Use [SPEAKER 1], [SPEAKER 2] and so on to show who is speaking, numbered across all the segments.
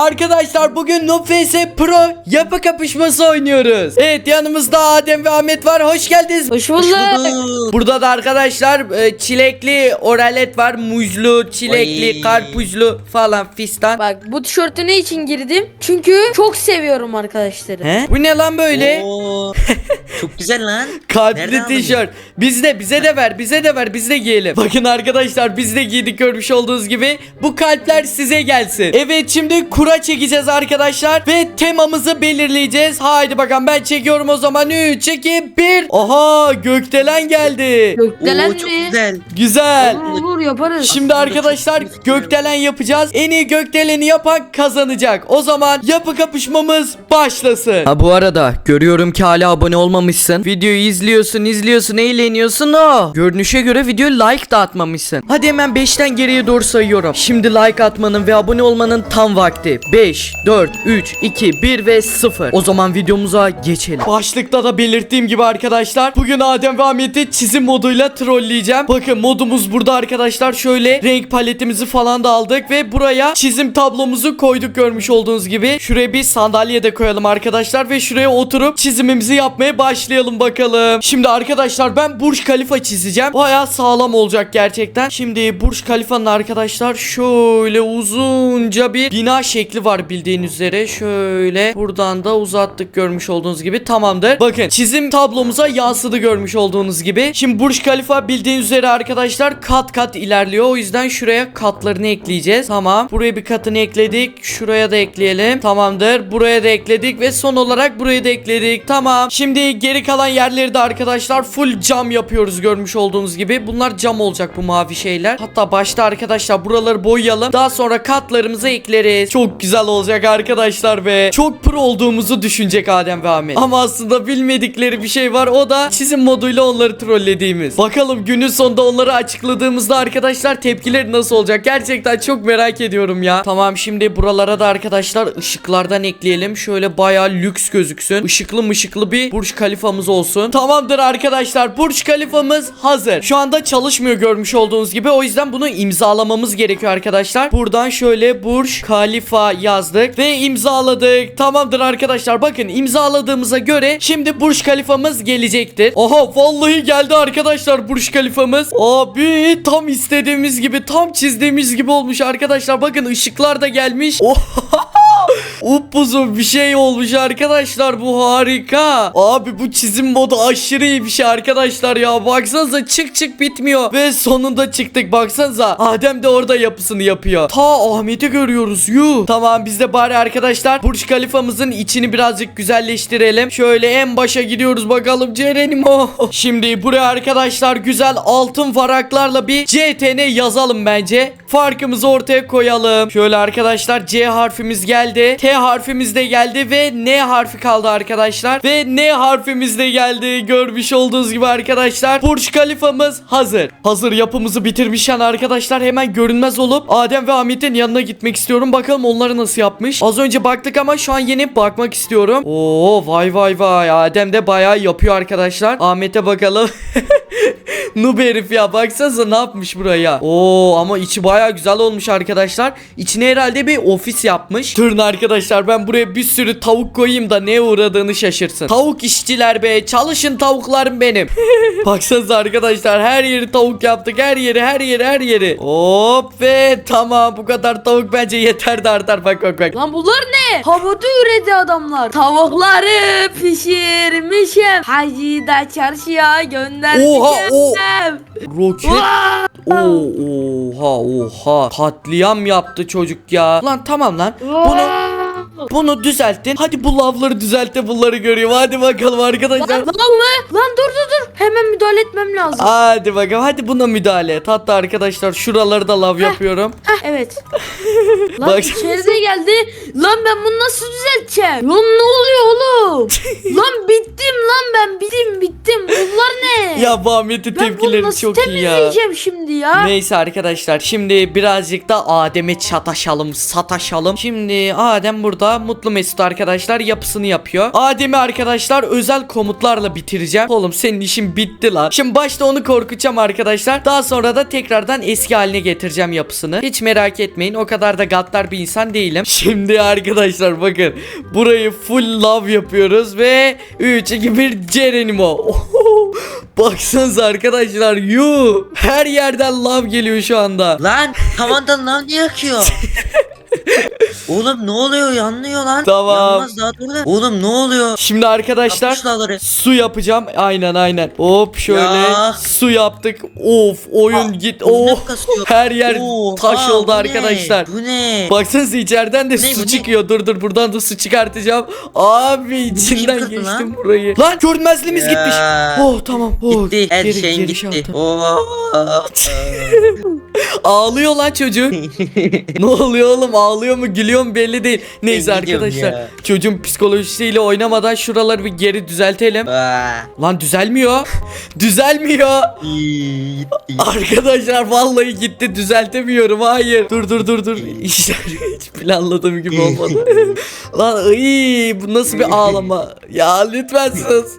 [SPEAKER 1] Arkadaşlar bugün Noob vs Pro yapı kapışması oynuyoruz. Evet, yanımızda Adem ve Ahmet var. Hoş geldiniz.
[SPEAKER 2] Hoş bulduk.
[SPEAKER 1] Burada da arkadaşlar çilekli oralet var. Muzlu, çilekli,
[SPEAKER 3] Oy.
[SPEAKER 1] karpuzlu falan fistan.
[SPEAKER 2] Bak bu tişörtü ne için girdim? Çünkü çok seviyorum arkadaşları.
[SPEAKER 1] He? Bu ne lan böyle?
[SPEAKER 3] Oo, çok güzel lan.
[SPEAKER 1] Kalpli
[SPEAKER 3] Nereden aldın?
[SPEAKER 1] tişört. Bize de ver, biz de giyelim. Bakın arkadaşlar, biz de giydik, görmüş olduğunuz gibi. Bu kalpler size gelsin. Evet, şimdi kura çekeceğiz arkadaşlar ve temamızı belirleyeceğiz. Haydi bakalım, ben çekiyorum o zaman. 3, 2, 1. Aha, gökdelen geldi.
[SPEAKER 2] Gökdelen
[SPEAKER 3] Oo, çok
[SPEAKER 2] mi?
[SPEAKER 3] güzel.
[SPEAKER 1] Güzel.
[SPEAKER 2] Olur yaparız.
[SPEAKER 1] Şimdi arkadaşlar gökdelen yapacağız. En iyi gökdeleni yapan kazanacak. O zaman yapı kapışmamız başlasın. Ha, bu arada görüyorum ki hala abone olmamışsın. Videoyu izliyorsun, eğleniyorsun o. Görünüşe göre videoya like da atmamışsın. Hadi hemen 5'ten geriye doğru sayıyorum. Şimdi like atmanın ve abone olmanın tam vakti. 5, 4, 3, 2, 1 ve 0. O zaman videomuza geçelim. Başlıkta da belirttiğim gibi arkadaşlar, bugün Adem ve Ahmet'i çizim moduyla trolleyeceğim. Bakın, modumuz burada arkadaşlar. Şöyle renk paletimizi falan da aldık ve buraya çizim tablomuzu koyduk, görmüş olduğunuz gibi. Şuraya bir sandalye de koyalım arkadaşlar ve şuraya oturup çizimimizi yapmaya başlayalım bakalım. Şimdi arkadaşlar ben Burj Khalifa çizeceğim. Bayağı sağlam olacak gerçekten. Şimdi Burj Khalifa'nın arkadaşlar şöyle uzunca bir bina şekli var bildiğiniz üzere. Şöyle buradan da uzattık, görmüş olduğunuz gibi. Tamamdır. Bakın, çizim tablomuza yansıdı, görmüş olduğunuz gibi. Şimdi Burj Khalifa bildiğiniz üzere arkadaşlar kat kat ilerliyor. O yüzden şuraya katlarını ekleyeceğiz. Tamam. Buraya bir katını ekledik. Şuraya da ekleyelim. Tamamdır. Buraya da ekledik ve son olarak buraya da ekledik. Tamam. Şimdi geri kalan yerleri de arkadaşlar full cam yapıyoruz, görmüş olduğunuz gibi. Bunlar cam olacak, bu mavi şeyler. Hatta başta arkadaşlar buraları boyayalım. Daha sonra katlarımızı ekleriz. Çok güzel olacak arkadaşlar be. Çok pro olduğumuzu düşünecek Adem ve Ahmet. Ama aslında bilmedikleri bir şey var. O da çizim moduyla onları trollediğimiz. Bakalım günün sonunda onları açıkladığımızda arkadaşlar tepkileri nasıl olacak? Gerçekten çok merak ediyorum ya. Tamam, şimdi buralara da arkadaşlar ışıklardan ekleyelim. Şöyle bayağı lüks gözüksün. Işıklı mışıklı bir Burj Khalifa'mız olsun. Tamamdır arkadaşlar. Burj Khalifa'mız hazır. Şu anda çalışmıyor, görmüş olduğunuz gibi. O yüzden bunu imzalamamız gerekiyor arkadaşlar. Buradan şöyle Burj Khalifa yazdık ve imzaladık. Tamamdır arkadaşlar. Bakın, imzaladığımıza göre şimdi Burj Khalifa'mız gelecektir. Oha, vallahi geldi arkadaşlar Burj Khalifa'mız. Abi tam istediğimiz gibi, tam çizdiğimiz gibi olmuş arkadaşlar. Bakın, ışıklar da gelmiş. Oha. Upuzun bir şey olmuş arkadaşlar, bu harika. Abi bu çizim modu aşırı iyi bir şey arkadaşlar ya. Baksanıza, çık bitmiyor ve sonunda çıktık, baksanıza. Adem de orada yapısını yapıyor. Ta Ahmet'i görüyoruz, yuh. Tamam, biz de bari arkadaşlar Burj Khalifa'mızın içini birazcık güzelleştirelim. Şöyle en başa gidiyoruz bakalım Cerenimo. Şimdi buraya arkadaşlar güzel altın varaklarla bir CTN yazalım bence. Farkımızı ortaya koyalım. Şöyle arkadaşlar C harfimiz geldi. T harfimiz de geldi ve N harfi kaldı arkadaşlar. Ve N harfimiz de geldi. Görmüş olduğunuz gibi arkadaşlar Burj Khalifa'mız hazır. Hazır yapımızı bitirmişken arkadaşlar hemen görünmez olup Adem ve Ahmet'in yanına gitmek istiyorum. Bakalım onları nasıl yapmış. Az önce baktık ama şu an yeni bakmak istiyorum. Oo, vay. Adem de bayağı yapıyor arkadaşlar. Ahmet'e bakalım. Noob herif ya, baksanıza ne yapmış buraya. Oo, ama içi baya güzel olmuş arkadaşlar. İçine herhalde bir ofis yapmış. Durun arkadaşlar, ben buraya bir sürü tavuk koyayım da neye uğradığını şaşırsın. Tavuk işçiler be, çalışın tavuklarım benim. Baksanıza arkadaşlar, her yeri tavuk yaptık, her yeri. Hop ve tamam, bu kadar tavuk bence yeter de artar. Bak.
[SPEAKER 2] Lan bunlar ne? Havada üredi adamlar. Tavukları pişirmişim. Hacı da çarşıya göndermişim.
[SPEAKER 1] Roket. Oha. Katliam yaptı çocuk ya. Lan tamam lan. Bunu düzelttin. Hadi bu lavları düzelt de bunları göreyim. Hadi bakalım arkadaşlar.
[SPEAKER 2] Lan mı? Lan dur. Hemen müdahale etmem lazım.
[SPEAKER 1] Hadi bakalım. Hadi buna müdahale et. Hatta arkadaşlar şuraları da lav yapıyorum.
[SPEAKER 2] Evet. Lan
[SPEAKER 1] Bak.
[SPEAKER 2] içeride geldi. Lan ben bunu nasıl düzelteceğim? Lan ne oluyor oğlum? Lan bittim lan ben. Bittim. Bunlar ne?
[SPEAKER 1] Ya bu Ahmet'in
[SPEAKER 2] Ben bunu
[SPEAKER 1] tepkileri
[SPEAKER 2] nasıl
[SPEAKER 1] çok iyi ya.
[SPEAKER 2] temizleyeceğim şimdi ya?
[SPEAKER 1] Neyse arkadaşlar, şimdi birazcık da Adem'e sataşalım. Şimdi Adem burada da mutlu mesut arkadaşlar yapısını yapıyor. Adem'i arkadaşlar özel komutlarla bitireceğim. Oğlum senin işin bitti lan. Şimdi başta onu korkutacağım arkadaşlar. Daha sonra da tekrardan eski haline getireceğim yapısını. Hiç merak etmeyin, o kadar da gaddar bir insan değilim. Şimdi arkadaşlar bakın, burayı full love yapıyoruz ve 3 2 1 Geronimo. Baksanıza arkadaşlar, her yerden love geliyor şu anda.
[SPEAKER 3] Lan tavandan lan niye akıyor? Oğlum ne oluyor, yanmıyor lan.
[SPEAKER 1] Tamam.
[SPEAKER 3] Yanmaz daha dur da. Oğlum ne oluyor?
[SPEAKER 1] Şimdi arkadaşlar
[SPEAKER 3] Yapmış dağları.
[SPEAKER 1] su yapacağım. Aynen. Hop şöyle
[SPEAKER 3] Ya.
[SPEAKER 1] su yaptık. Of oyun git.
[SPEAKER 3] bu ne
[SPEAKER 1] Oh
[SPEAKER 3] kasıyor?
[SPEAKER 1] her yer
[SPEAKER 3] Oha,
[SPEAKER 1] taş oldu
[SPEAKER 3] bu ne?
[SPEAKER 1] arkadaşlar.
[SPEAKER 3] Bu ne?
[SPEAKER 1] Baksanıza içeriden de
[SPEAKER 3] Ne,
[SPEAKER 1] su
[SPEAKER 3] bu ne?
[SPEAKER 1] çıkıyor. Dur buradan da su çıkartacağım. Abi içinden
[SPEAKER 3] kırdı
[SPEAKER 1] geçtim
[SPEAKER 3] lan?
[SPEAKER 1] burayı. Lan görünmezliğimiz
[SPEAKER 3] Ya.
[SPEAKER 1] gitmiş. Oh tamam. Oh,
[SPEAKER 3] Gitti. Her
[SPEAKER 1] geri
[SPEAKER 3] şeyin
[SPEAKER 1] şey
[SPEAKER 3] gitti.
[SPEAKER 1] yaptım.
[SPEAKER 3] Oo.
[SPEAKER 1] Ağlıyor lan çocuk. Ne oluyor oğlum, ağlıyor mu gülüyor mu belli değil. Neyse
[SPEAKER 3] Ben gidiyorum
[SPEAKER 1] arkadaşlar
[SPEAKER 3] ya.
[SPEAKER 1] çocuğun psikolojisiyle oynamadan şuraları bir geri düzeltelim.
[SPEAKER 3] Aa.
[SPEAKER 1] Lan düzelmiyor. Düzelmiyor.
[SPEAKER 3] Gitti.
[SPEAKER 1] Arkadaşlar vallahi gitti, düzeltemiyorum. Hayır. Dur. İşler hiç planladığım gibi olmadı. Lan bu nasıl bir ağlama? Ya lütfen sus.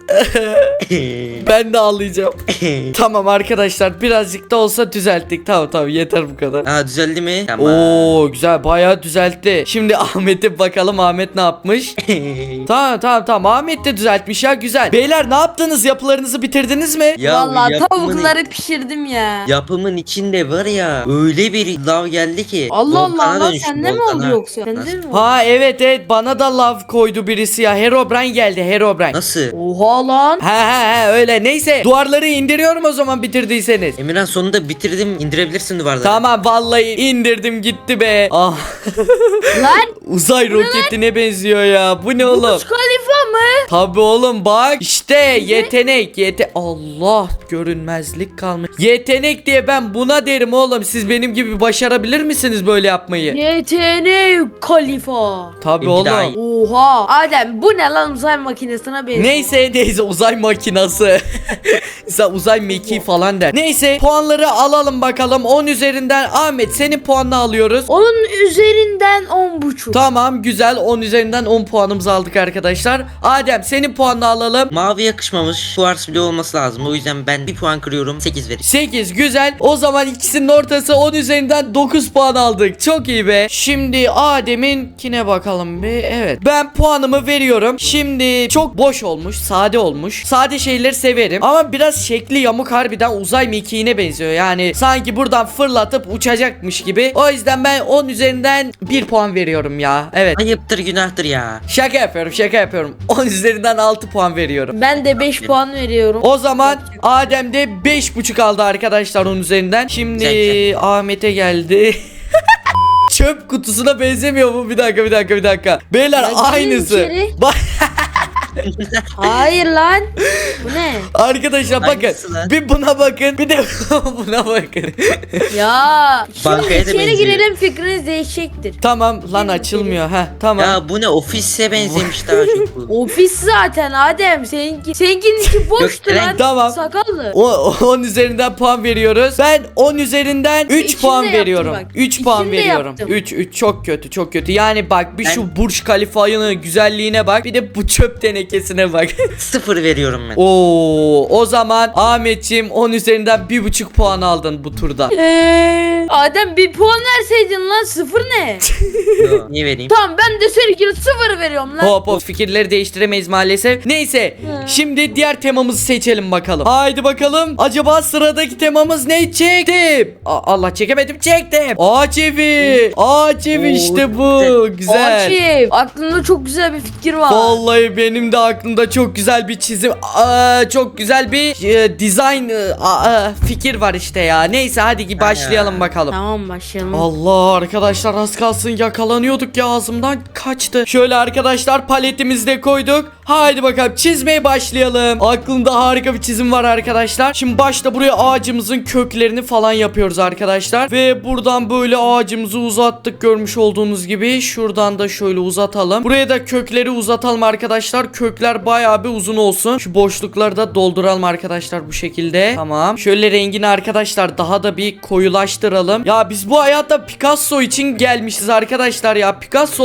[SPEAKER 1] Ben de ağlayacağım. Tamam arkadaşlar, birazcık da olsa düzelttik. Tamam yeter bu kadar.
[SPEAKER 3] Aa, düzeldi mi? Tamam.
[SPEAKER 1] Oo güzel, bayağı düzeltti. Şimdi Ahmet'e bakalım, Ahmet ne yapmış? Tamam Ahmet de düzeltmiş ya, güzel. Beyler ne yaptınız, yapılarınızı bitirdiniz mi?
[SPEAKER 3] Ya
[SPEAKER 2] Vallahi
[SPEAKER 3] yapımın-
[SPEAKER 2] tavukları pişirdim ya.
[SPEAKER 3] Yapımın içinde var ya, öyle bir lav geldi ki.
[SPEAKER 2] Allah
[SPEAKER 3] volkana
[SPEAKER 2] Allah lan,
[SPEAKER 3] dönüştü,
[SPEAKER 2] sende mi
[SPEAKER 3] volkana.
[SPEAKER 2] oldu yoksa? Sende
[SPEAKER 3] Nasıl?
[SPEAKER 2] mi oldu?
[SPEAKER 1] Ha evet bana da love koydu birisi ya. Herobrine geldi, Herobrine.
[SPEAKER 3] Nasıl?
[SPEAKER 2] Oha lan.
[SPEAKER 1] Ha öyle, neyse duvarları indiriyorum o zaman bitirdiyseniz.
[SPEAKER 3] Emirhan sonunda bitirdim, indirebilirsin duvarları.
[SPEAKER 1] Tamam vallahi indirdim gitti be. Ah
[SPEAKER 2] Lan
[SPEAKER 1] uzay roketine benziyor ya. Bu ne oğlum?
[SPEAKER 2] Burj Khalifa mı?
[SPEAKER 1] Tabi oğlum bak işte yetenek Allah görünmezlik kalmış. Yetenek diye ben buna derim oğlum. Siz benim gibi başarabilir misiniz böyle yapmayı?
[SPEAKER 2] YTN Khalifa.
[SPEAKER 1] Tabi
[SPEAKER 3] Benimki daha
[SPEAKER 1] oğlum.
[SPEAKER 3] iyi.
[SPEAKER 2] Oha. Adem bu ne lan, uzay makinesine benziyor.
[SPEAKER 1] Neyse uzay makinası. Sen uzay mekiği falan der. Neyse puanları alalım bakalım. 10 üzerinden Ahmet senin puanını alıyoruz.
[SPEAKER 2] Onun üzerinden 10,5.
[SPEAKER 1] Tamam güzel, 10 üzerinden 10 puanımızı aldık arkadaşlar. Adem senin puanını alalım.
[SPEAKER 3] Mavi yakışmamış. Kuars bile olması lazım. O yüzden ben bir puan kırıyorum. 8 vereyim.
[SPEAKER 1] 8 güzel. O zaman ikisinin ortası 10 üzerinden 9 puan aldık. Çok iyi be. Şimdi Adem'inkine bakalım bir. Evet. Ben puanımı veriyorum. Şimdi çok boş olmuş, sade olmuş. Sade şeyleri severim ama biraz şekli yamuk, harbiden uzay mekiğine benziyor. Yani sanki buradan fırlatıp uçacakmış gibi. O yüzden ben 10 üzerinden 1 puan veriyorum ya. Evet.
[SPEAKER 3] Ayıptır, günahtır ya.
[SPEAKER 1] Şaka yapıyorum. 10 üzerinden 6 puan veriyorum.
[SPEAKER 2] Ben de 5 puan veriyorum.
[SPEAKER 1] O zaman Adem de 5,5 aldı arkadaşlar 10 üzerinden. Şimdi
[SPEAKER 3] Güzel.
[SPEAKER 1] Ahmet'e geldi. Çöp kutusuna benzemiyor mu? Bir dakika. Beyler
[SPEAKER 2] Ya gelin
[SPEAKER 1] aynısı.
[SPEAKER 2] içeri.
[SPEAKER 1] Bak
[SPEAKER 2] Hayır lan. Bu ne?
[SPEAKER 1] arkadaşlar bakın.
[SPEAKER 3] Hangisi lan?
[SPEAKER 1] Bir buna bakın. Bir de buna bakın.
[SPEAKER 2] Ya. Şimdi
[SPEAKER 3] Bankaya da
[SPEAKER 2] içeri
[SPEAKER 3] benziyor.
[SPEAKER 2] girelim, fikriniz değişecektir.
[SPEAKER 1] Tamam lan,
[SPEAKER 2] Gelin
[SPEAKER 1] açılmıyor. Ha tamam.
[SPEAKER 3] Ya bu ne, ofise benzemiş daha çok bu.
[SPEAKER 2] Ofis zaten Adem. Seninkinin içi boştu
[SPEAKER 3] Gökdelen,
[SPEAKER 2] lan.
[SPEAKER 1] tamam.
[SPEAKER 2] Sakallı.
[SPEAKER 1] 10 üzerinden puan veriyoruz. Ben 10 üzerinden 3
[SPEAKER 2] İçinde
[SPEAKER 1] puan
[SPEAKER 2] yaptım
[SPEAKER 1] veriyorum.
[SPEAKER 2] bak.
[SPEAKER 1] 3 puan
[SPEAKER 2] İçinde
[SPEAKER 1] veriyorum.
[SPEAKER 2] yaptım.
[SPEAKER 1] 3 çok kötü. Yani bak bir
[SPEAKER 3] Ben-
[SPEAKER 1] şu Burj Khalifa'nın güzelliğine bak. Bir de bu çöp tenekesine bak.
[SPEAKER 3] 0 veriyorum ben.
[SPEAKER 1] O zaman Ahmetciğim 10 üzerinden 1,5 puan aldın bu turda.
[SPEAKER 2] Adem bir puan verseydin lan, 0 ne?
[SPEAKER 3] Yo, niye vereyim?
[SPEAKER 2] Tamam, ben de seninkine 0 veriyorum lan.
[SPEAKER 1] Hop fikirleri değiştiremeyiz maalesef. Neyse
[SPEAKER 2] Hı.
[SPEAKER 1] şimdi diğer temamızı seçelim bakalım. Haydi bakalım. Acaba sıradaki temamız ne? Çektim. Allah çekemedim, çektim. Ağaç evi. Ağaç evi
[SPEAKER 3] Oo,
[SPEAKER 1] işte bu. Güzel.
[SPEAKER 2] Akif, aklımda çok güzel bir fikir var.
[SPEAKER 1] Vallahi benim de aklımda çok güzel bir çizim, çok güzel bir design fikir var işte ya. Neyse hadi başlayalım bakalım.
[SPEAKER 2] Tamam, başlayalım.
[SPEAKER 1] Allah arkadaşlar, az kalsın yakalanıyorduk ya, ağzımdan kaçtı. Şöyle arkadaşlar paletimizi de koyduk. Haydi bakalım çizmeye başlayalım. Aklımda harika bir çizim var arkadaşlar. Şimdi başta buraya ağacımızın köklerini falan yapıyoruz arkadaşlar. Ve buradan böyle ağacımızı uzattık görmüş olduğunuz gibi. Şuradan da şöyle uzatalım. Buraya da kökleri uzatalım arkadaşlar. Kökler bayağı bir uzun olsun. Şu boşlukları da dolduralım arkadaşlar bu şekilde. Tamam. Şöyle rengini arkadaşlar daha da bir koyulaştıralım. Ya biz bu hayatta Picasso için gelmişiz arkadaşlar ya. Picasso olarak gelmişiz.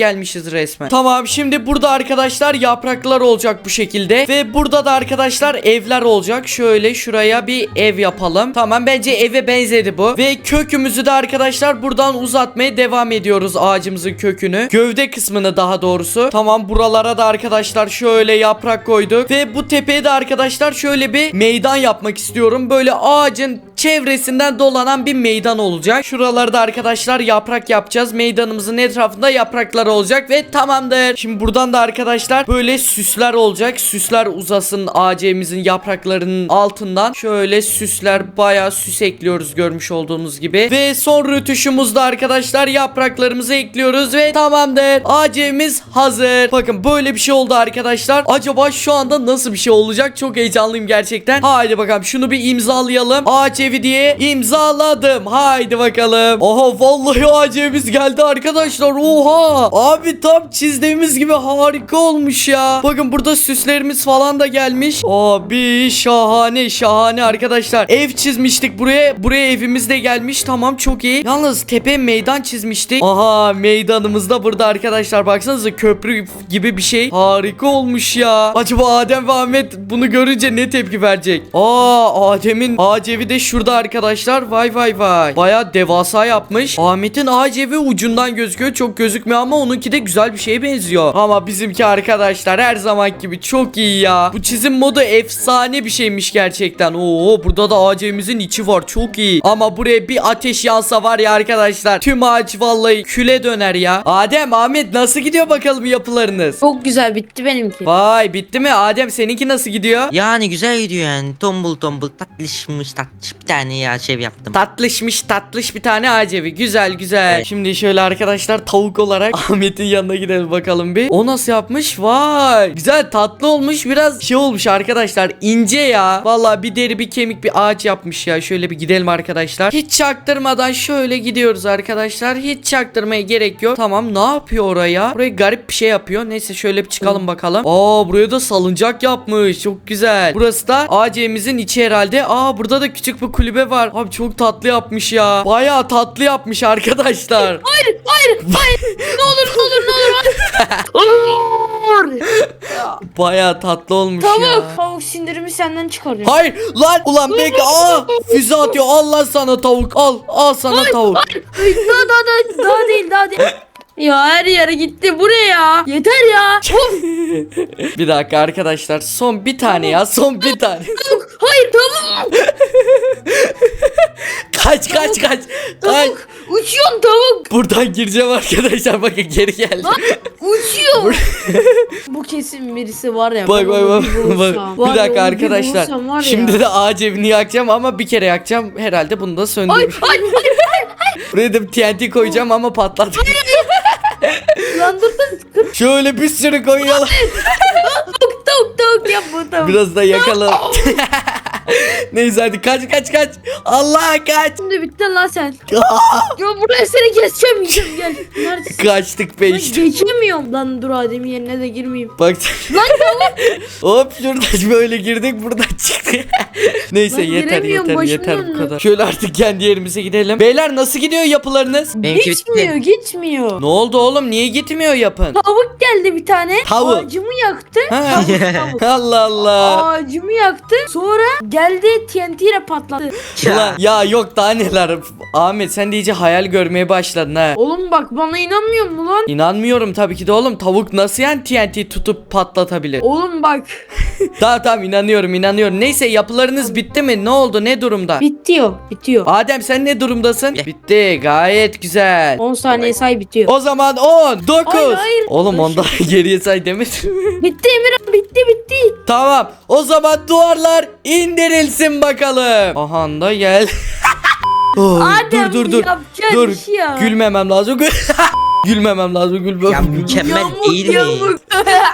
[SPEAKER 1] gelmişiz resmen. Tamam, şimdi burada arkadaşlar yapraklar olacak bu şekilde. Ve burada da arkadaşlar evler olacak. Şöyle şuraya bir ev yapalım. Tamam, bence eve benzedi bu. Ve kökümüzü de arkadaşlar buradan uzatmaya devam ediyoruz, ağacımızın kökünü. Gövde kısmını daha doğrusu. Tamam, buralara da arkadaşlar şöyle yaprak koyduk. Ve bu tepeye de arkadaşlar şöyle bir meydan yapmak istiyorum. Böyle ağacın çevresinden dolanan bir meydan olacak. Şuralarda arkadaşlar yaprak yapacağız. Meydanımızın etrafında yapraklar olacak ve tamamdır. Şimdi buradan da arkadaşlar böyle süsler olacak. Süsler uzasın ağacımızın yapraklarının altından. Şöyle süsler, bayağı süs ekliyoruz görmüş olduğunuz gibi. Ve son rötuşumuzda arkadaşlar yapraklarımızı ekliyoruz ve tamamdır. Ağacımız hazır. Bakın böyle bir şey oldu arkadaşlar. Acaba şu anda nasıl bir şey olacak? Çok heyecanlıyım gerçekten. Haydi bakalım, şunu bir imzalayalım. Ağaç evi diye imzaladım. Haydi bakalım. Oha, vallahi ağaç evimiz geldi arkadaşlar. Oha. Abi tam çizdiğimiz gibi harika olmuş ya. Bakın burada süslerimiz falan da gelmiş. Abi şahane şahane arkadaşlar. Ev çizmiştik buraya. Buraya evimiz de gelmiş. Tamam, çok iyi. Yalnız tepe meydan çizmiştik. Aha, meydanımız da burada arkadaşlar. Baksanıza, köprü gibi bir şey. Harika olmuş ya. Acaba Adem ve Ahmet bunu görünce ne tepki verecek? Adem'in ağaç evi de şurada arkadaşlar. Vay vay vay. Baya devasa yapmış. Ahmet'in ağaç evi ucundan gözüküyor. Çok gözükmüyor ama onunki de güzel bir şeye benziyor. Ama bizimki arkadaşlar her zaman gibi çok iyi ya. Bu çizim modu efsane bir şeymiş gerçekten. Oo, burada da ağaç evimizin içi var. Çok iyi. Ama buraya bir ateş yansa var ya arkadaşlar, tüm ağaç vallahi küle döner ya. Adem, Ahmet nasıl gidiyor bakalım yapılarınız?
[SPEAKER 2] Çok güzel, bitti benimki.
[SPEAKER 1] Vay, bitti mi? Adem, seninki nasıl gidiyor?
[SPEAKER 3] Yani güzel gidiyor yani. Tombul tombul tatlışmış tatlış bir tane ya şey yaptım.
[SPEAKER 1] Tatlışmış tatlış bir tane ağaç evi. Güzel güzel.
[SPEAKER 3] Evet.
[SPEAKER 1] Şimdi şöyle arkadaşlar tavuk olarak Ahmet'in yanına gidelim bakalım bir. O nasıl yapmış? Vay. Güzel, tatlı olmuş. Biraz şey olmuş arkadaşlar. İnce ya. Vallahi bir deri bir kemik bir ağaç yapmış ya. Şöyle bir gidelim arkadaşlar. Hiç çaktırmadan şöyle gidiyoruz arkadaşlar. Hiç çaktırmaya gerek yok. Tamam, ne yapıyor oraya? Buraya garip bir şey yapıyor. Neyse şöyle bir çıkalım bakalım. Buraya da salıncak yapmış. Çok güzel. Burası da ağaç evimizin içi herhalde. Burada da küçük bir kulübe var. Abi çok tatlı yapmış ya. Bayağı tatlı yapmış arkadaşlar.
[SPEAKER 2] Hayır. Ne olur.
[SPEAKER 1] Bayağı tatlı olmuş
[SPEAKER 2] Tavuk.
[SPEAKER 1] ya.
[SPEAKER 2] Tavuk sindirimi senden çıkarıyor.
[SPEAKER 1] Hayır lan, ulan bekle. Füze atıyor. Allah sana tavuk. Al sana tavuk.
[SPEAKER 2] Daha değil. Ya her yere gitti buraya. Yeter ya.
[SPEAKER 1] Bir dakika arkadaşlar. Son bir tane ya. Son bir tane.
[SPEAKER 2] Hayır, tavuk.
[SPEAKER 1] Kaç.
[SPEAKER 2] Tavuk. Uçuyorsun tavuk.
[SPEAKER 1] Buradan gireceğim arkadaşlar. Bakın geri geldi.
[SPEAKER 2] Uçuyor. Bu kesin birisi var ya.
[SPEAKER 1] Bak.
[SPEAKER 2] ben onu bir bulursam. Var
[SPEAKER 1] Bir
[SPEAKER 2] ya,
[SPEAKER 1] dakika
[SPEAKER 2] onu bir
[SPEAKER 1] arkadaşlar.
[SPEAKER 2] bulursam var ya.
[SPEAKER 1] Şimdi de ağaç evini yakacağım ama bir kere yakacağım. Herhalde bunu da söndürürüm.
[SPEAKER 2] Hayır.
[SPEAKER 1] Buraya da TNT koyacağım ama patlat.
[SPEAKER 2] Lan dur.
[SPEAKER 1] Şöyle bir sürü koyalım.
[SPEAKER 2] Tavuk yap bu tavuk.
[SPEAKER 1] Biraz da yakalım. Neyse hadi kaç. Allah kaç.
[SPEAKER 2] Şimdi bittin lan sen. Ya buraya seni keseceğim, yiyeceğim, gel. Neredesin?
[SPEAKER 1] Kaçtık be
[SPEAKER 2] Lan
[SPEAKER 1] işte.
[SPEAKER 2] geçemiyorum. Lan dur, Adem'in yerine de girmeyeyim.
[SPEAKER 1] Bak.
[SPEAKER 2] Lan
[SPEAKER 1] Hop, şuradan böyle girdik, buradan çıktık. Neyse
[SPEAKER 2] Lan
[SPEAKER 1] yeter
[SPEAKER 2] giremiyorum, başım
[SPEAKER 1] bu
[SPEAKER 2] döndü.
[SPEAKER 1] kadar. Şöyle artık kendi yerimize gidelim. Beyler, nasıl gidiyor yapılarınız?
[SPEAKER 3] Benimki
[SPEAKER 2] gitmiyor.
[SPEAKER 1] Ne oldu oğlum, niye gitmiyor yapın?
[SPEAKER 2] Tavuk geldi bir tane.
[SPEAKER 1] Tavuk.
[SPEAKER 2] Ağacımı yaktı.
[SPEAKER 1] Ha.
[SPEAKER 2] Tavuk.
[SPEAKER 1] Allah Allah.
[SPEAKER 2] Ağacımı yaktı. Sonra geldi TNT ile patladı.
[SPEAKER 1] Ulan, ya yok daha neler. Ahmet, sen de iyice hayal görmeye başladın ha.
[SPEAKER 2] Oğlum bak, bana inanmıyor musun lan?
[SPEAKER 1] İnanmıyorum tabii ki de oğlum. Tavuk nasıl yani TNT tutup patlatabilir?
[SPEAKER 2] Oğlum bak.
[SPEAKER 1] Tamam inanıyorum. Neyse, yapılarınız bitti mi? Ne oldu? Ne durumda?
[SPEAKER 2] Bitiyor.
[SPEAKER 1] Adem, sen ne durumdasın? Bitti. Gayet güzel.
[SPEAKER 2] 10 saniye say, bitiyor.
[SPEAKER 1] O zaman 10, 9.
[SPEAKER 2] Hayır.
[SPEAKER 1] Oğlum ondan geriye say demedim.
[SPEAKER 2] Bitti Emirhan, bitti.
[SPEAKER 1] Tamam. O zaman duvarlar indirilsin bakalım. Aha da gel.
[SPEAKER 2] Adem,
[SPEAKER 1] dur.
[SPEAKER 2] yapacağın
[SPEAKER 1] Dur.
[SPEAKER 2] iş ya.
[SPEAKER 1] Gülmemem lazım. Gülmemem lazım.
[SPEAKER 3] Ya mükemmel
[SPEAKER 2] Yamuk,
[SPEAKER 3] değil mi?
[SPEAKER 2] yamuk.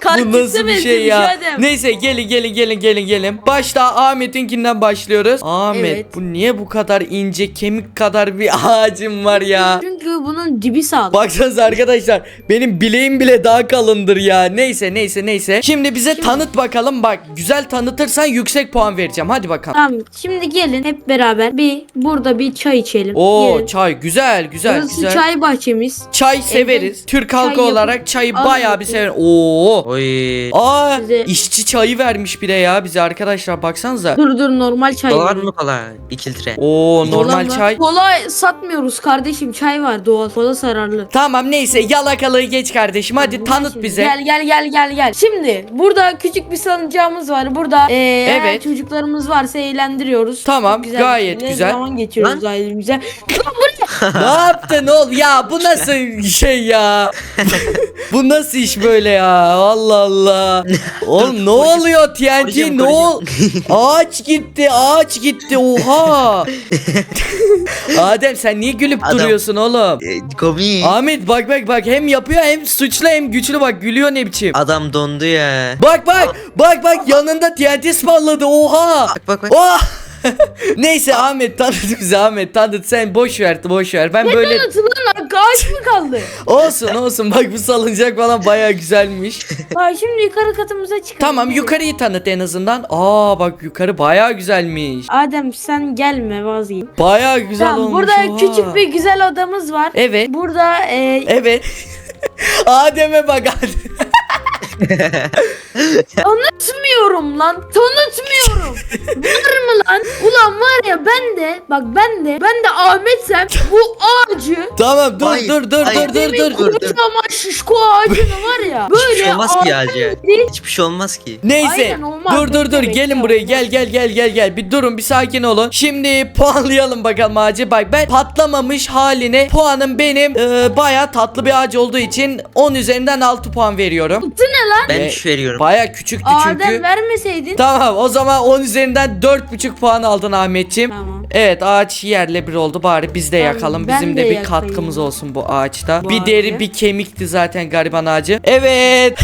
[SPEAKER 2] Kaktüse
[SPEAKER 1] Bu nasıl bir şey ya?
[SPEAKER 2] benzemiş Adem.
[SPEAKER 1] Neyse gelin. Başta Ahmet'inkinden başlıyoruz. Ahmet
[SPEAKER 2] Evet.
[SPEAKER 1] bu niye bu kadar ince kemik kadar bir ağacım var ya?
[SPEAKER 2] Çünkü bunun dibi sağlam.
[SPEAKER 1] Baksanıza arkadaşlar benim bileğim bile daha kalındır ya. Neyse. Şimdi bize tanıt bakalım. Bak güzel tanıtırsan yüksek puan vereceğim. Hadi bakalım.
[SPEAKER 2] Tamam şimdi gelin hep beraber burada bir çay içelim.
[SPEAKER 1] Oo
[SPEAKER 2] Gelin.
[SPEAKER 1] çay güzel.
[SPEAKER 2] Burası çay bahçemiz.
[SPEAKER 1] Çay severiz. Türk halkı
[SPEAKER 2] çay yapıp
[SPEAKER 1] olarak çayı
[SPEAKER 2] alın
[SPEAKER 1] bayağı bir
[SPEAKER 2] bakayım.
[SPEAKER 1] sever. Oo.
[SPEAKER 3] Oy.
[SPEAKER 1] Aa
[SPEAKER 2] Size-
[SPEAKER 1] işçi çayı vermiş bir de ya bize arkadaşlar baksanıza.
[SPEAKER 2] Dur normal çay.
[SPEAKER 3] Dolar
[SPEAKER 2] var.
[SPEAKER 3] mı kola? 2 litre.
[SPEAKER 1] Oo normal
[SPEAKER 2] Kola mı?
[SPEAKER 1] çay.
[SPEAKER 2] Kola satmıyoruz kardeşim, çay var doğal. Kola zararlı.
[SPEAKER 1] Tamam neyse yalakalığı geç kardeşim hadi
[SPEAKER 2] Bunlar
[SPEAKER 1] tanıt
[SPEAKER 2] şimdi-
[SPEAKER 1] bize.
[SPEAKER 2] Gel. Şimdi burada küçük bir salıncağımız var. Burada eğer
[SPEAKER 1] Evet.
[SPEAKER 2] çocuklarımız varsa eğlendiriyoruz.
[SPEAKER 1] Tamam,
[SPEAKER 2] Çok güzel
[SPEAKER 1] gayet
[SPEAKER 2] bir şekilde
[SPEAKER 1] güzel.
[SPEAKER 2] zaman geçiriyoruz ailemizle.
[SPEAKER 1] Ne yaptın oğlum ya bu nasıl şey ya? Bu nasıl iş böyle ya? Allah Allah. Oğlum ne oluyor TNT
[SPEAKER 3] koruyacağım,
[SPEAKER 1] ne ol? Ağaç gitti oha. Adem sen niye gülüp
[SPEAKER 3] Adam-
[SPEAKER 1] duruyorsun oğlum?
[SPEAKER 3] Komik.
[SPEAKER 1] Ahmet bak hem yapıyor hem suçlu hem güçlü bak gülüyor ne biçim.
[SPEAKER 3] Adam dondu ya.
[SPEAKER 1] Bak yanında TNT spalladı oha.
[SPEAKER 3] Bak.
[SPEAKER 1] Oh! Neyse Ahmet tanıt sen boş ver ben böyle
[SPEAKER 2] Tanıtılan ağaç mı kaldı?
[SPEAKER 1] olsun bak bu salıncak falan baya güzelmiş.
[SPEAKER 2] Bak şimdi yukarı katımıza çıkalım.
[SPEAKER 1] Tamam
[SPEAKER 2] Gelin.
[SPEAKER 1] yukarıyı tanıt en azından. Bak yukarı baya güzelmiş.
[SPEAKER 2] Adem sen gelme vazgeç.
[SPEAKER 1] Baya güzel
[SPEAKER 2] Tamam,
[SPEAKER 1] olmuş.
[SPEAKER 2] burada
[SPEAKER 1] oha.
[SPEAKER 2] küçük bir güzel odamız var.
[SPEAKER 1] Evet.
[SPEAKER 2] Burada
[SPEAKER 1] Evet. Adem'e bak Adem.
[SPEAKER 2] tanıtmıyorum lan. Tanıtmıyorum. Var mı lan? Ulan var ya ben de Ahmetsem bu ağacı
[SPEAKER 1] Tamam dur
[SPEAKER 3] Hayır,
[SPEAKER 1] dur
[SPEAKER 3] hayır.
[SPEAKER 2] demin
[SPEAKER 3] dur.
[SPEAKER 2] kocaman şişko ağacını var ya.
[SPEAKER 3] Hiçbir
[SPEAKER 2] Böyle
[SPEAKER 3] şey olmaz ki
[SPEAKER 2] ağaç
[SPEAKER 3] Hacı.
[SPEAKER 2] değil.
[SPEAKER 3] Hiçbir şey olmaz ki.
[SPEAKER 1] Neyse.
[SPEAKER 2] Aynen, olmaz.
[SPEAKER 1] Dur
[SPEAKER 2] Bekle,
[SPEAKER 1] gelin
[SPEAKER 2] bekle,
[SPEAKER 1] buraya
[SPEAKER 2] olmaz.
[SPEAKER 1] gel bir durun bir sakin olun. Şimdi puanlayalım bakalım ağacı. Bak ben patlamamış haline puanım benim baya tatlı bir ağaç olduğu için 10 üzerinden 6 puan veriyorum.
[SPEAKER 2] Bu ne lan?
[SPEAKER 3] Ben
[SPEAKER 1] Ve
[SPEAKER 3] 3 veriyorum.
[SPEAKER 1] Baya küçüktü çünkü.
[SPEAKER 2] Adem vermeseydin.
[SPEAKER 1] Tamam o zaman 10 üzerinden 4,5 puan aldın Ahmetciğim.
[SPEAKER 2] Tamam.
[SPEAKER 1] Evet ağaç yerle bir oldu bari biz de
[SPEAKER 2] Ben-
[SPEAKER 1] yakalım.
[SPEAKER 2] ben
[SPEAKER 1] Bizim
[SPEAKER 2] de
[SPEAKER 1] de bir
[SPEAKER 2] yakayım.
[SPEAKER 1] katkımız olsun bu ağaçta.
[SPEAKER 2] Bu
[SPEAKER 1] bir deri
[SPEAKER 2] ağacı.
[SPEAKER 1] bir kemikti zaten gariban ağacı. Evet.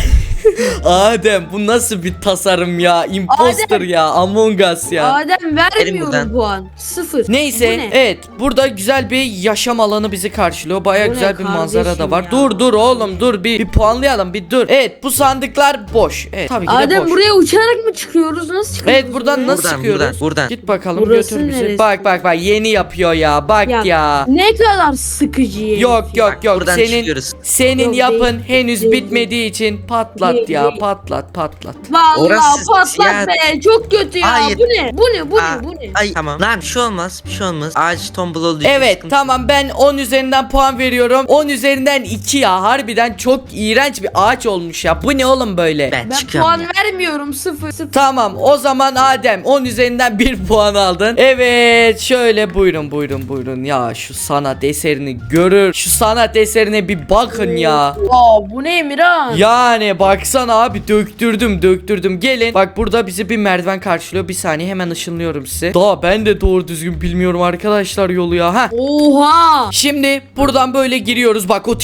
[SPEAKER 1] Adem bu nasıl bir tasarım ya? Imposter
[SPEAKER 2] Adem.
[SPEAKER 1] ya. Among Us ya.
[SPEAKER 2] Adem
[SPEAKER 3] Verin
[SPEAKER 2] vermiyorum
[SPEAKER 3] buradan.
[SPEAKER 2] puan. 0.
[SPEAKER 1] Neyse
[SPEAKER 2] Bu ne?
[SPEAKER 1] evet burada güzel bir yaşam alanı bizi karşılıyor. Baya
[SPEAKER 2] Bu ne
[SPEAKER 1] güzel bir manzara da
[SPEAKER 2] kardeşim
[SPEAKER 1] var.
[SPEAKER 2] ya?
[SPEAKER 1] Dur oğlum dur bir puanlayalım bir dur. Evet bu sandıklar boş. Evet tabii ki de
[SPEAKER 2] Adem
[SPEAKER 1] boş.
[SPEAKER 2] buraya uçarak mı çıkıyoruz? Nasıl çıkıyoruz?
[SPEAKER 1] Evet buradan
[SPEAKER 2] buraya?
[SPEAKER 1] nasıl
[SPEAKER 3] Buradan,
[SPEAKER 1] çıkıyoruz?
[SPEAKER 3] buradan.
[SPEAKER 1] Git bakalım
[SPEAKER 2] Burası
[SPEAKER 1] götür bizi.
[SPEAKER 2] neresi?
[SPEAKER 1] Bak yeni yapıyor ya. Bak ya.
[SPEAKER 2] Ne kadar sıkıcı herif
[SPEAKER 1] Yok
[SPEAKER 2] ya.
[SPEAKER 1] yok yok.
[SPEAKER 3] Buradan
[SPEAKER 1] Senin
[SPEAKER 3] çıkıyoruz.
[SPEAKER 1] senin
[SPEAKER 2] Yok,
[SPEAKER 1] yapın
[SPEAKER 2] değil,
[SPEAKER 1] henüz
[SPEAKER 2] değil,
[SPEAKER 1] bitmediği için patlat
[SPEAKER 2] Değil,
[SPEAKER 1] ya.
[SPEAKER 2] değil.
[SPEAKER 1] Patlat.
[SPEAKER 2] Vallahi
[SPEAKER 3] Orası
[SPEAKER 2] patlat
[SPEAKER 3] siyah.
[SPEAKER 2] be. Çok kötü ya.
[SPEAKER 3] Hayır.
[SPEAKER 2] Bu ne? Bu
[SPEAKER 3] Aa,
[SPEAKER 2] ne?
[SPEAKER 3] Ay tamam. Lan bir şey olmaz. Ağaç tombul olduğu için
[SPEAKER 1] Evet
[SPEAKER 3] sıkıntı
[SPEAKER 1] tamam ben 10 üzerinden puan veriyorum. 10 üzerinden 2 ya. Harbiden çok iğrenç bir ağaç olmuş ya. Bu ne oğlum böyle?
[SPEAKER 3] Ben
[SPEAKER 2] Ben
[SPEAKER 3] çıkıyorum
[SPEAKER 2] puan
[SPEAKER 3] ya.
[SPEAKER 2] vermiyorum. 0.
[SPEAKER 1] Tamam o zaman Adem 10 üzerinden 1 puan aldın. Evet şöyle buyurun ya şu sanat eserini görür. Şu sanat eserine bir bakın ya.
[SPEAKER 2] Bu ne Emirhan?
[SPEAKER 1] Yani baksana abi döktürdüm. Gelin. Bak burada bizi bir merdiven karşılıyor. Bir saniye hemen ışınlıyorum size. Daha ben de doğru düzgün bilmiyorum arkadaşlar yolu ya. Ha.
[SPEAKER 2] Oha.
[SPEAKER 1] Şimdi buradan böyle giriyoruz. Bak o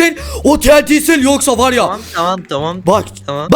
[SPEAKER 1] TNT'sel yoksa var ya.
[SPEAKER 3] Tamam.
[SPEAKER 1] Bak.
[SPEAKER 3] Tamam.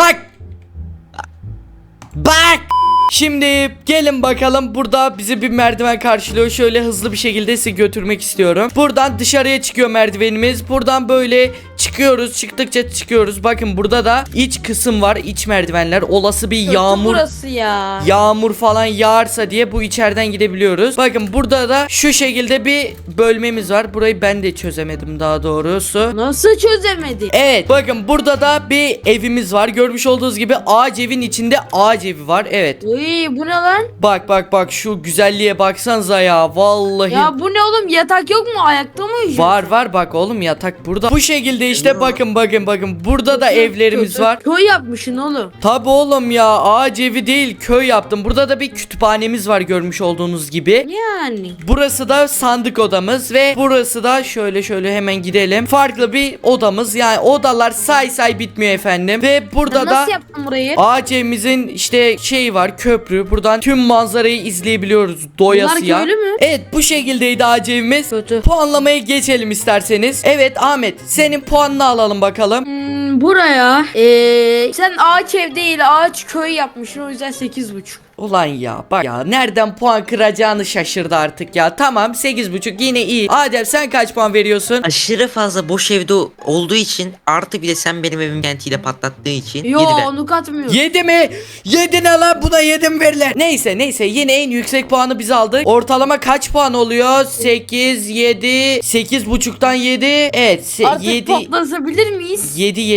[SPEAKER 1] Bak. Şimdi gelin bakalım burada bizi bir merdiven karşılıyor. Şöyle hızlı bir şekilde sizi götürmek istiyorum. Buradan dışarıya çıkıyor merdivenimiz. Buradan böyle çıkıyoruz. Çıktıkça çıkıyoruz. Bakın burada da iç kısım var. İç merdivenler. Olası bir
[SPEAKER 2] Kötü
[SPEAKER 1] yağmur
[SPEAKER 2] burası ya.
[SPEAKER 1] yağmur falan yağarsa diye bu içeriden gidebiliyoruz. Bakın burada da şu şekilde bir bölmemiz var. Burayı ben de çözemedim daha doğrusu.
[SPEAKER 2] Nasıl çözemedi?
[SPEAKER 1] Evet bakın burada da bir evimiz var. Görmüş olduğunuz gibi ağaç evin içinde ağaç evi var. Evet.
[SPEAKER 2] Uy bu ne lan?
[SPEAKER 1] Bak şu güzelliğe baksanıza ya. Vallahi.
[SPEAKER 2] Ya bu ne oğlum, yatak yok mu? Ayakta mı uyuyorsun?
[SPEAKER 1] Var bak oğlum yatak burada. Bu şekilde işte bakın. Burada da evlerimiz var.
[SPEAKER 2] Köy yapmışsın oğlum.
[SPEAKER 1] Tabi oğlum ya ağaç evi değil köy yaptım. Burada da bir kütüphanemiz var görmüş olduğunuz gibi.
[SPEAKER 2] Yani.
[SPEAKER 1] Burası da sandık odamız ve burası da şöyle hemen gidelim. Farklı bir odamız. Yani odalar say bitmiyor efendim. Ve burada
[SPEAKER 2] Sen
[SPEAKER 1] da
[SPEAKER 2] nasıl yaptın burayı?
[SPEAKER 1] ağaç evimizin işte şeyi var köprü. Buradan tüm manzarayı izleyebiliyoruz doyasıya.
[SPEAKER 2] Bunlar köylü mü?
[SPEAKER 1] Evet bu şekildeydi ağaç evimiz.
[SPEAKER 2] Kötü.
[SPEAKER 1] Puanlamaya geçelim isterseniz. Evet Ahmet senin puanını alalım bakalım.
[SPEAKER 2] Ben buraya sen ağaç ev değil ağaç köy yapmışsın, o yüzden 8,5.
[SPEAKER 1] Ulan ya bak ya, nereden puan kıracağını şaşırdı artık ya. Tamam 8,5 yine iyi. Adem sen kaç puan veriyorsun?
[SPEAKER 3] Aşırı fazla boş evde olduğu için, artı bir de sen benim evim kentiyle patlattığın için
[SPEAKER 2] Yo
[SPEAKER 3] 7'de.
[SPEAKER 2] onu katmıyor.
[SPEAKER 1] 7 mi? 7 ne lan, buna 7 mi verilir? Neyse yine en yüksek puanı biz aldık. Ortalama kaç puan oluyor? 8, 7, 8,5'tan 7. Evet
[SPEAKER 2] Artık
[SPEAKER 1] 7.
[SPEAKER 2] patlatabilir miyiz?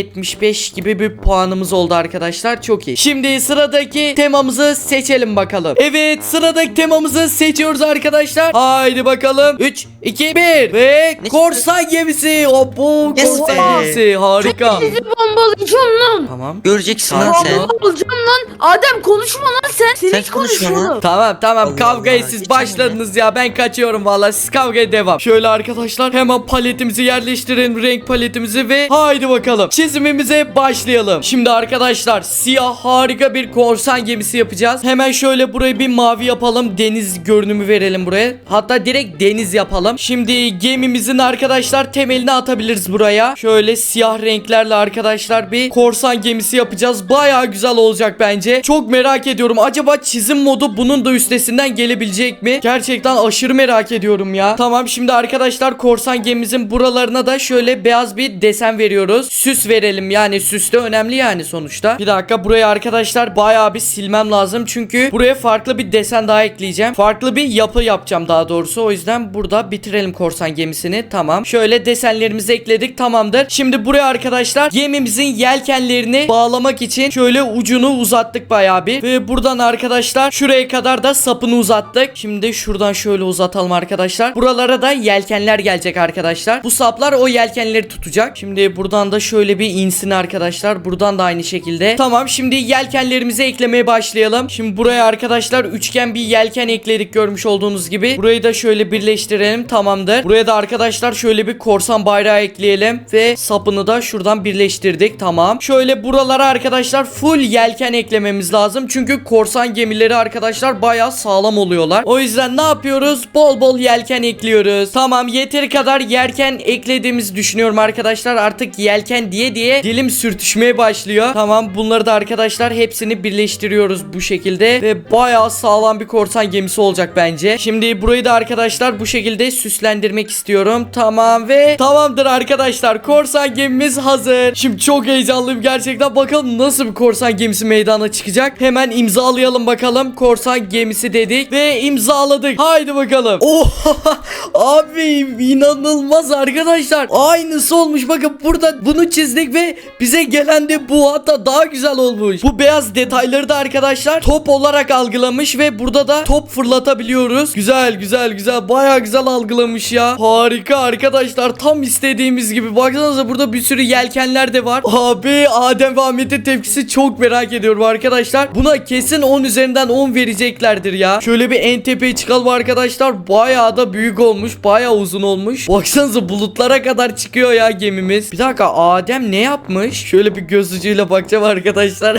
[SPEAKER 1] 7,75 gibi bir puanımız oldu arkadaşlar. Çok iyi. Şimdi sıradaki temamızı seçelim bakalım. Evet, sıradaki temamızı seçiyoruz arkadaşlar. Haydi bakalım. 3, 2, 1 ve korsan gemisi. Hoppu,
[SPEAKER 3] Yes
[SPEAKER 1] korsan
[SPEAKER 3] be.
[SPEAKER 1] gemisi. Harika.
[SPEAKER 2] Sizi bombalayacağım lan.
[SPEAKER 1] Tamam.
[SPEAKER 3] Göreceksin lan
[SPEAKER 1] Tamam.
[SPEAKER 3] sen.
[SPEAKER 2] Bombalayacağım lan. Adem konuşma lan sen. Sen
[SPEAKER 3] Sen
[SPEAKER 2] hiç
[SPEAKER 3] konuşma
[SPEAKER 2] konuşma
[SPEAKER 3] lan.
[SPEAKER 2] oğlum.
[SPEAKER 1] Tamam
[SPEAKER 3] Allah
[SPEAKER 1] kavgaya
[SPEAKER 3] Allah,
[SPEAKER 1] siz
[SPEAKER 3] geçen
[SPEAKER 1] başladınız ya, ben kaçıyorum vallahi, siz kavgaya devam. Şöyle arkadaşlar hemen paletimizi yerleştirelim, renk paletimizi ve haydi bakalım çizimimize başlayalım. Şimdi arkadaşlar siyah harika bir korsan gemisi yapacağız. Hemen şöyle burayı bir mavi yapalım, deniz görünümü verelim buraya, hatta direkt deniz yapalım. Şimdi gemimizin arkadaşlar temelini atabiliriz buraya. Şöyle siyah renklerle arkadaşlar bir korsan gemisi yapacağız, baya güzel olacak bence. Çok merak ediyorum, acaba çizim modu bunun da üstesinden gelebilecek mi? Gerçekten aşırı merak ediyorum ya. Tamam, şimdi arkadaşlar korsan gemimizin buralarına da şöyle beyaz bir desen veriyoruz. Süs verelim, yani süs de önemli yani sonuçta. Bir dakika, buraya arkadaşlar bayağı bir silmem lazım, çünkü buraya farklı bir desen daha ekleyeceğim. Farklı bir yapı yapacağım daha doğrusu, o yüzden burada bitirelim korsan gemisini. Tamam, şöyle desenlerimizi ekledik, tamamdır. Şimdi buraya arkadaşlar gemimizin yelkenlerini bağlamak için şöyle ucunu uzattık bayağı bir ve buradan arkadaşlar şuraya kadar da sapını uzattık. Şimdi şuradan şöyle uzatalım arkadaşlar. Buralara da yelkenler gelecek arkadaşlar. Bu saplar o yelkenleri tutacak. Şimdi buradan da şöyle bir insin arkadaşlar. Buradan da aynı şekilde. Tamam, şimdi yelkenlerimizi eklemeye başlayalım. Şimdi buraya arkadaşlar üçgen bir yelken ekledik, görmüş olduğunuz gibi. Burayı da şöyle birleştirelim, tamamdır. Buraya da arkadaşlar şöyle bir korsan bayrağı ekleyelim ve sapını da şuradan birleştirdik, tamam. Şöyle buralara arkadaşlar full yelken eklememiz lazım. Çünkü korsan gemileri arkadaşlar bayağı sağlam oluyorlar. O yüzden ne yapıyoruz? Bol bol yelken ekliyoruz. Tamam, yeteri kadar yelken eklediğimizi düşünüyorum arkadaşlar. Artık yelken diye dilim sürtüşmeye başlıyor. Tamam, bunları da arkadaşlar hepsini birleştiriyoruz bu şekilde ve bayağı sağlam bir korsan gemisi olacak bence. Şimdi burayı da arkadaşlar bu şekilde süslendirmek istiyorum. Tamam ve tamamdır arkadaşlar, korsan gemimiz hazır. Şimdi çok heyecanlıyım gerçekten, bakalım nasıl bir korsan gemisi meydana çıkacak. Hemen imzalayalım bakalım. Korsan gemisi dedik ve imzaladık. Haydi bakalım. Oha abi, inanılmaz arkadaşlar, aynısı olmuş. Bakın burada bunu çizdik ve bize gelen de bu, hatta daha güzel olmuş. Bu beyaz detayları da arkadaşlar top olarak algılamış ve burada da top fırlatabiliyoruz. Güzel baya güzel algılamış ya. Harika arkadaşlar, tam istediğimiz gibi. Baksanıza burada bir sürü yelkenler de var. Abi Adem ve Ahmet'in tepkisi çok merak ediyorum arkadaşlar. Buna kesin 10 üzerinden 10 vereceklerdir ya. Şöyle bir en tepeye çıkalım arkadaşlar. Bayağı da büyük olmuş, bayağı uzun olmuş. Baksanıza bulutlara kadar çıkıyor ya gemimiz. Bir dakika, Adem ne yapmış? Şöyle bir göz ucuyla bakacağım arkadaşlar.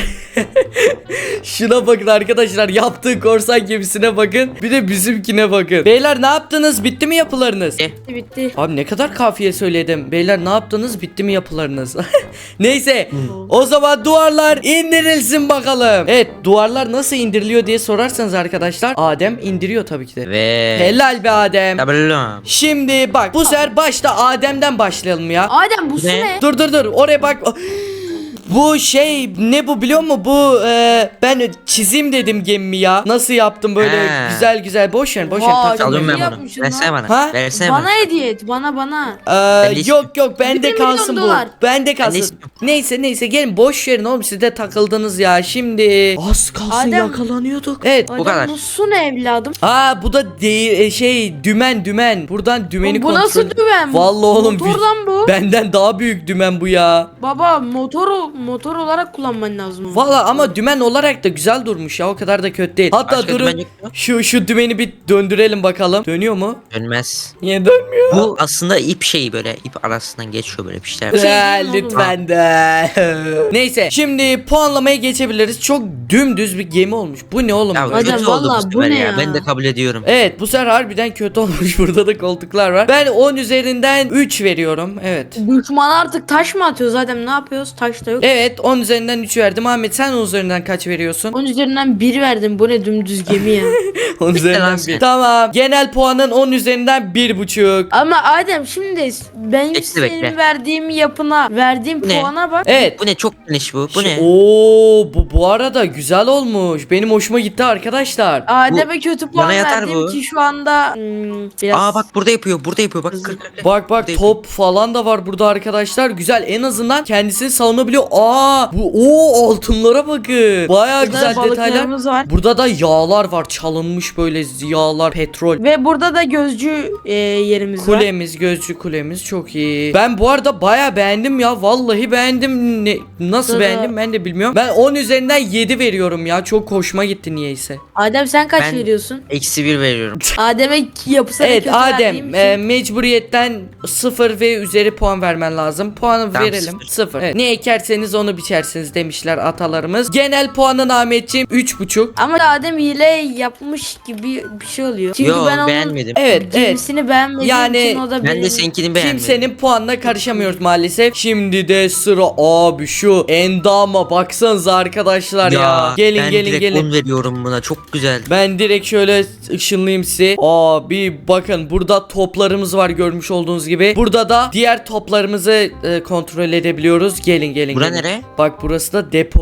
[SPEAKER 1] Şuna bakın arkadaşlar, yaptığı korsan gemisine bakın, bir de bizimkine bakın. Beyler ne yaptınız, bitti mi yapılarınız?
[SPEAKER 2] Bitti.
[SPEAKER 1] Abi ne kadar kafiye söyledim. Beyler ne yaptınız, bitti mi yapılarınız? Neyse o zaman duvarlar indirilsin bakalım. Evet, duvarlar nasıl indiriliyor diye sorarsanız arkadaşlar, Adem indiriyor tabii ki de.
[SPEAKER 3] Ve
[SPEAKER 1] Helal be Adem.
[SPEAKER 3] Tabellum.
[SPEAKER 1] Şimdi bak, bu sefer başta Adem'den başlayalım ya.
[SPEAKER 2] Adem bu su
[SPEAKER 3] Ne?
[SPEAKER 2] ne?
[SPEAKER 1] Dur oraya bak. Bu şey ne bu biliyor musun? Bu ben çizim dedim gemimi ya. Nasıl yaptım böyle
[SPEAKER 3] He.
[SPEAKER 1] güzel. Boş ver
[SPEAKER 2] Vay,
[SPEAKER 1] takılma.
[SPEAKER 3] Alıyorum ben
[SPEAKER 2] İyi
[SPEAKER 3] bunu.
[SPEAKER 2] yapmışsın
[SPEAKER 3] Versene
[SPEAKER 2] lan.
[SPEAKER 3] bana.
[SPEAKER 1] Ha?
[SPEAKER 3] Versene bana.
[SPEAKER 2] Bana hediye et bana.
[SPEAKER 3] Ben de
[SPEAKER 1] Yok bende
[SPEAKER 2] 1
[SPEAKER 1] kalsın
[SPEAKER 2] milyon
[SPEAKER 1] bu.
[SPEAKER 2] dolar.
[SPEAKER 1] Bende
[SPEAKER 3] Ben de
[SPEAKER 1] kalsın.
[SPEAKER 3] istiyorum.
[SPEAKER 1] Neyse gelin, boş verin oğlum, siz de takıldınız ya. Şimdi az kalsın
[SPEAKER 2] Adem.
[SPEAKER 1] yakalanıyorduk. Evet.
[SPEAKER 2] Adem
[SPEAKER 3] kadar.
[SPEAKER 2] bu su ne evladım?
[SPEAKER 1] Bu da dümen. Buradan dümeni
[SPEAKER 2] Bu
[SPEAKER 1] kontrol.
[SPEAKER 2] nasıl dümen?
[SPEAKER 1] Vallahi oğlum,
[SPEAKER 2] Motor lan bu.
[SPEAKER 1] benden daha büyük dümen bu ya.
[SPEAKER 2] Baba motoru motor olarak kullanman lazım.
[SPEAKER 1] Valla ama dümen olarak da güzel durmuş ya, o kadar da kötü değil. Hatta
[SPEAKER 3] Başka
[SPEAKER 1] durun
[SPEAKER 3] dümen yok mu?
[SPEAKER 1] şu dümeni bir döndürelim bakalım. Dönüyor mu?
[SPEAKER 3] Dönmez.
[SPEAKER 1] Niye dönmüyor?
[SPEAKER 3] Bu aslında ip şeyi, böyle ip arasından geçiyor böyle bir şeyler.
[SPEAKER 2] Şey değil mi oğlum?
[SPEAKER 1] Lütfen de. Neyse şimdi puanlamaya geçebiliriz. Çok dümdüz bir gemi olmuş. Bu ne oğlum
[SPEAKER 3] Ya
[SPEAKER 1] böyle?
[SPEAKER 2] Adam
[SPEAKER 3] kötü oldu
[SPEAKER 2] vallahi
[SPEAKER 3] bu
[SPEAKER 2] bu
[SPEAKER 3] sefer
[SPEAKER 2] ne
[SPEAKER 3] ya.
[SPEAKER 2] ya?
[SPEAKER 3] Ben de kabul ediyorum.
[SPEAKER 1] Evet, bu sefer harbiden kötü olmuş. Burada da koltuklar var. Ben 10 üzerinden 3 veriyorum. Evet.
[SPEAKER 2] Düşman artık taş mı atıyor zaten, ne yapıyoruz? Taş da yok.
[SPEAKER 1] Evet, 10 üzerinden 3 verdim. Ahmet sen 10 üzerinden kaç veriyorsun?
[SPEAKER 2] 10 üzerinden 1 verdim. Bu ne dümdüz gemi ya.
[SPEAKER 1] 10
[SPEAKER 3] lan
[SPEAKER 1] üzerinden
[SPEAKER 3] sen.
[SPEAKER 1] 1. Tamam. Genel puanın 10 üzerinden 1,5.
[SPEAKER 2] Ama Adem şimdi ben
[SPEAKER 3] Bekle,
[SPEAKER 2] senin
[SPEAKER 3] bekle.
[SPEAKER 2] verdiğim yapına, verdiğim
[SPEAKER 3] Bu ne?
[SPEAKER 2] puana bak.
[SPEAKER 1] Evet.
[SPEAKER 3] Bu ne, çok geniş bu. Bu ne?
[SPEAKER 1] Oo, bu arada güzel olmuş. Benim hoşuma gitti arkadaşlar.
[SPEAKER 2] Adem'e kötü puan
[SPEAKER 3] bana yatar
[SPEAKER 2] verdim
[SPEAKER 3] bu.
[SPEAKER 2] ki şu anda biraz.
[SPEAKER 3] Aa bak, burada yapıyor. Burada yapıyor. Bak kır.
[SPEAKER 1] Bak top falan da var burada arkadaşlar. Güzel, en azından kendisini savunabiliyor. Aa, bu altınlara bakın. Baya
[SPEAKER 2] Burada
[SPEAKER 1] güzel detaylar.
[SPEAKER 2] balıklarımız var.
[SPEAKER 1] Burada da yağlar var. Çalınmış böyle yağlar, petrol.
[SPEAKER 2] Ve burada da gözcü yerimiz var.
[SPEAKER 1] Kulemiz, gözcü kulemiz çok iyi. Ben bu arada baya beğendim ya. Vallahi beğendim. Nasıl
[SPEAKER 2] Burada-
[SPEAKER 1] beğendim ben de bilmiyorum. Ben 10 üzerinden 7 veriyorum ya. Çok hoşuma gitti niyeyse.
[SPEAKER 2] Adem sen kaç
[SPEAKER 3] Ben-
[SPEAKER 2] veriyorsun?
[SPEAKER 3] -1 veriyorum.
[SPEAKER 2] Adem'e yapısına
[SPEAKER 1] Evet
[SPEAKER 2] kötü verdiğim
[SPEAKER 1] Adem,
[SPEAKER 2] için-
[SPEAKER 1] mecburiyetten 0 ve üzeri puan vermen lazım. Puanı
[SPEAKER 3] Tamam,
[SPEAKER 1] verelim.
[SPEAKER 3] 0.
[SPEAKER 1] 0. Evet. Ne ekerseniz onu biçersiniz demişler atalarımız. Genel puanın Ahmetciğim 3,5.
[SPEAKER 2] Ama Adem hile yapmış gibi bir şey oluyor. Çünkü
[SPEAKER 3] Yo,
[SPEAKER 2] ben onun
[SPEAKER 3] beğenmedim.
[SPEAKER 1] Evet,
[SPEAKER 2] gemisini beğenmediğim
[SPEAKER 1] Yani
[SPEAKER 2] için o da
[SPEAKER 3] Ben de
[SPEAKER 2] benim...
[SPEAKER 3] seninkini beğenmedim.
[SPEAKER 1] Kimsenin puanına karışamıyoruz maalesef. Şimdi de sıra abi şu endama baksanıza arkadaşlar ya. Gelin
[SPEAKER 3] ben
[SPEAKER 1] gelin
[SPEAKER 3] direkt
[SPEAKER 1] gelin.
[SPEAKER 3] 10 veriyorum buna. Çok güzel.
[SPEAKER 1] Ben direkt şöyle ışınlayayım sizi. Abi bakın, burada toplarımız var görmüş olduğunuz gibi. Burada da diğer toplarımızı kontrol edebiliyoruz. Gelin gelin
[SPEAKER 3] Bura
[SPEAKER 1] gelin.
[SPEAKER 3] nere?
[SPEAKER 1] Bak burası da depo.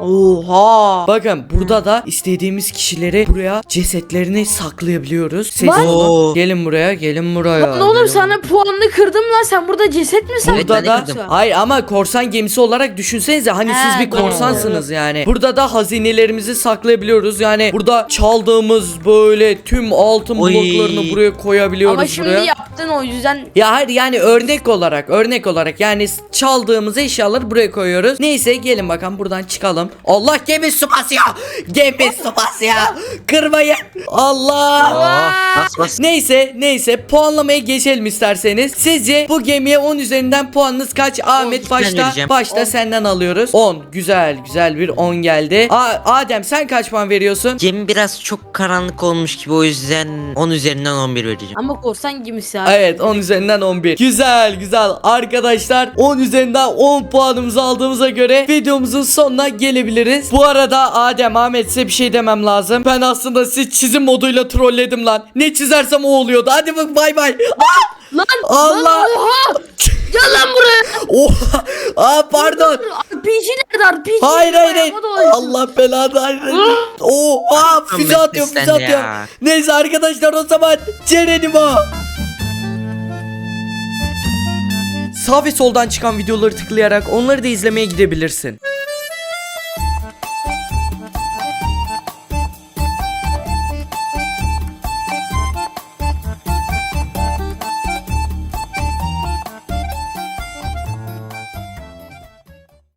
[SPEAKER 2] Oha.
[SPEAKER 1] Bakın burada da istediğimiz kişileri buraya cesetlerini saklayabiliyoruz. Ses
[SPEAKER 2] Var.
[SPEAKER 1] olun. Gelin buraya, gelin buraya.
[SPEAKER 2] Lan oğlum
[SPEAKER 1] Gelin
[SPEAKER 2] sana puanını kırdım lan, sen burada ceset mi
[SPEAKER 3] Evet,
[SPEAKER 1] Burada
[SPEAKER 3] ben de
[SPEAKER 1] da
[SPEAKER 3] kırdım.
[SPEAKER 1] hayır ama korsan gemisi olarak düşünsenize, hani
[SPEAKER 2] He,
[SPEAKER 1] siz bir
[SPEAKER 2] doğru.
[SPEAKER 1] korsansınız yani. Burada da hazinelerimizi saklayabiliyoruz. Yani burada çaldığımız böyle tüm altın
[SPEAKER 3] Oy.
[SPEAKER 1] bloklarını buraya koyabiliyoruz
[SPEAKER 2] Ama şimdi
[SPEAKER 1] buraya.
[SPEAKER 2] yaptın o yüzden.
[SPEAKER 1] Ya hayır, yani örnek olarak yani çaldığımız eşyaları buraya koyuyoruz. Neyse gelin bakalım buradan çıkalım. Allah, gemi su basıyor. Gemi su basıyor. Kırmayın. Allah.
[SPEAKER 3] Bas bas.
[SPEAKER 1] Neyse puanlamaya geçelim isterseniz. Sizce bu gemiye 10 üzerinden puanınız kaç? Ahmet
[SPEAKER 3] ben
[SPEAKER 1] başta
[SPEAKER 3] vereceğim.
[SPEAKER 1] senden alıyoruz. 10. Güzel bir 10 geldi. Adem sen kaç puan veriyorsun?
[SPEAKER 3] Gemi biraz çok karanlık olmuş gibi, o yüzden 10 üzerinden 11 vereceğim.
[SPEAKER 2] Ama korsan gemisi abi.
[SPEAKER 1] Evet, 10 üzerinden 11. Güzel arkadaşlar, 10 üzerinden 10 puanımızı aldığımıza göre videomuzun sonuna gelebiliriz. Bu arada Adem, Ahmet, size bir şey demem lazım. Ben aslında sizi çizim moduyla trolledim lan. Ne çizersem o oluyordu. Hadi bak, bay bay.
[SPEAKER 2] Lan
[SPEAKER 1] Allah.
[SPEAKER 2] lan oha. Gel lan buraya.
[SPEAKER 1] Oha. Pardon.
[SPEAKER 2] RPG nerede RPG?
[SPEAKER 1] Hayır.
[SPEAKER 2] Ayağıma dolaştı.
[SPEAKER 1] Allah belanı versin. Oha, füze
[SPEAKER 3] Ahmet,
[SPEAKER 1] atıyor,
[SPEAKER 3] sen
[SPEAKER 1] füze atıyor.
[SPEAKER 3] ya.
[SPEAKER 1] Neyse arkadaşlar, o zaman Cerenimo. Sağ ve soldan çıkan videoları tıklayarak onları da izlemeye gidebilirsin.